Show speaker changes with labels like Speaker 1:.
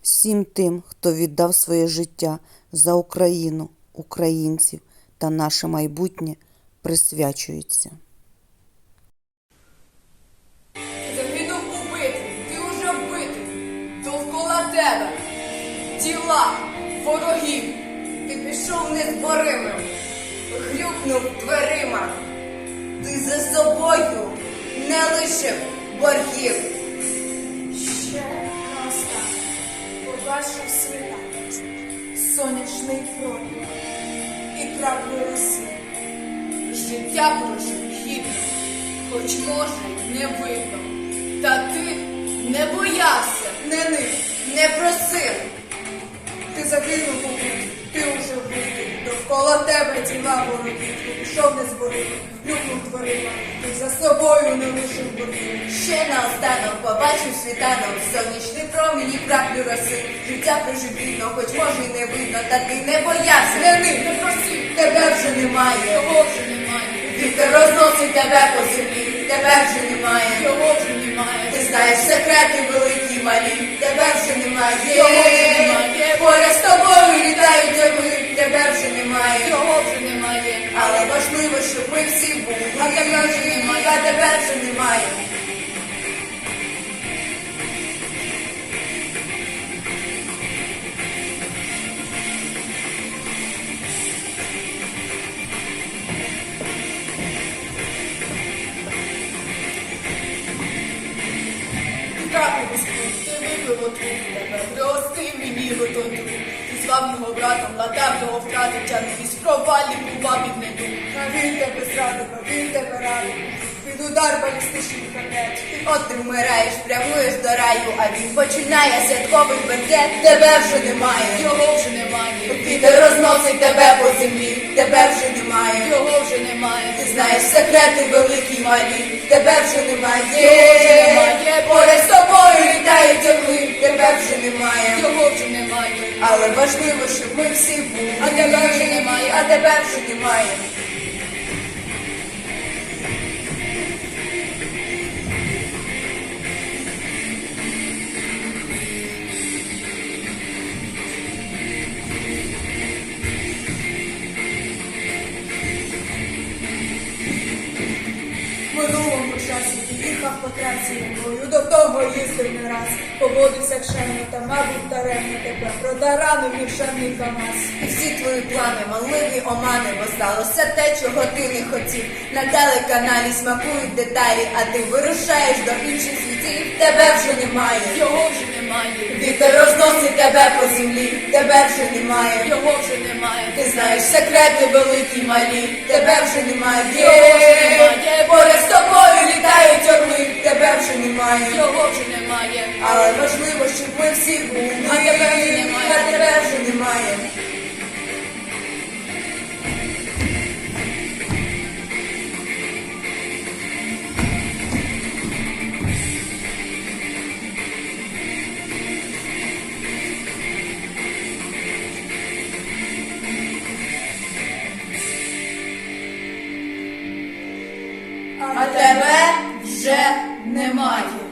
Speaker 1: всім тим, хто віддав своє життя за Україну, українців та наше майбутнє, присвячується.
Speaker 2: Загинув у битві, ти уже вбитий, довкола тебе тіла ворогів. Ти пішов незборимим, грюкнув дверима. Ти за собою не лишив боргів.
Speaker 3: Ще раз так побачив світа, сонячний промінь і краплю роси.
Speaker 2: Життя прожив гідно, хоч може й не видно. Та ти не боявся, не нив, не просив.
Speaker 3: Ти загинув у битві, ти уже вбитий, довкола тебе тіла ворогів. Ти пішов незборимий, грюкнув дверима, ти за собою не лишив боргів.
Speaker 2: Ще наостанок побачив світанок, сонячний промінь і краплю роси. Життя прожив гідно, хоч може й не видно. Та ти не боявся, не нив, не просив. Тебе вже немає, його вже немає. Вітер розносить тебе по землі, тебе вже немає, його вже немає. Ти знаєш секрети великі й малі, тебе вже немає, його вже немає. Поряд з тобою літають орли, тебе вже немає, його вже немає. Але важливо, щоб ми всі були, а тебе вже немає, а тебе вже немає. Краплю Господь, ти випив отруту тебе, пригостив мені готову. Ти звав його братом, ладав його втратив, тягнувся в провалі, бува під неду.
Speaker 3: А він тебе зрадив, а він тебе радив, під удар балістичний ракет.
Speaker 2: От ти вмираєш, прямуєш до раю, а він починає святковий бенкет. Тебе вже немає, його вже немає. Вітер розносить тебе по землі, тебе вже немає, його вже немає. Ти знаєш секрети великі й малі, тебе вже немає, його вже немає. Поряд з тобою літають орли, тебе вже немає, його вже немає. Але важливо, щоб ми всі були, а тебе вже немає, а тебе вже немає.
Speaker 3: В минулому часі ти їхав по трасі якою до того їздив не раз. Поводився кшемно та, мабуть, даремно тебе продаранив віршаний КамАЗ.
Speaker 2: І всі твої плани, манливі омани, бо сталося те, чого ти не хотів. На телеканалі смакують деталі, а ти вирушаєш до інших світів. Тебе вже немає, його вже немає. Вітер розносить тебе по землі, тебе вже немає, його вже немає. Ти знаєш секрети великі й малі, тебе вже немає, його вже немає. Поряд з тобою літають орли, тебе вже немає, його вже немає. Але важливо, щоб ми всі були, а тебе вже немає, а тебе вже немає. А тебе вже немає.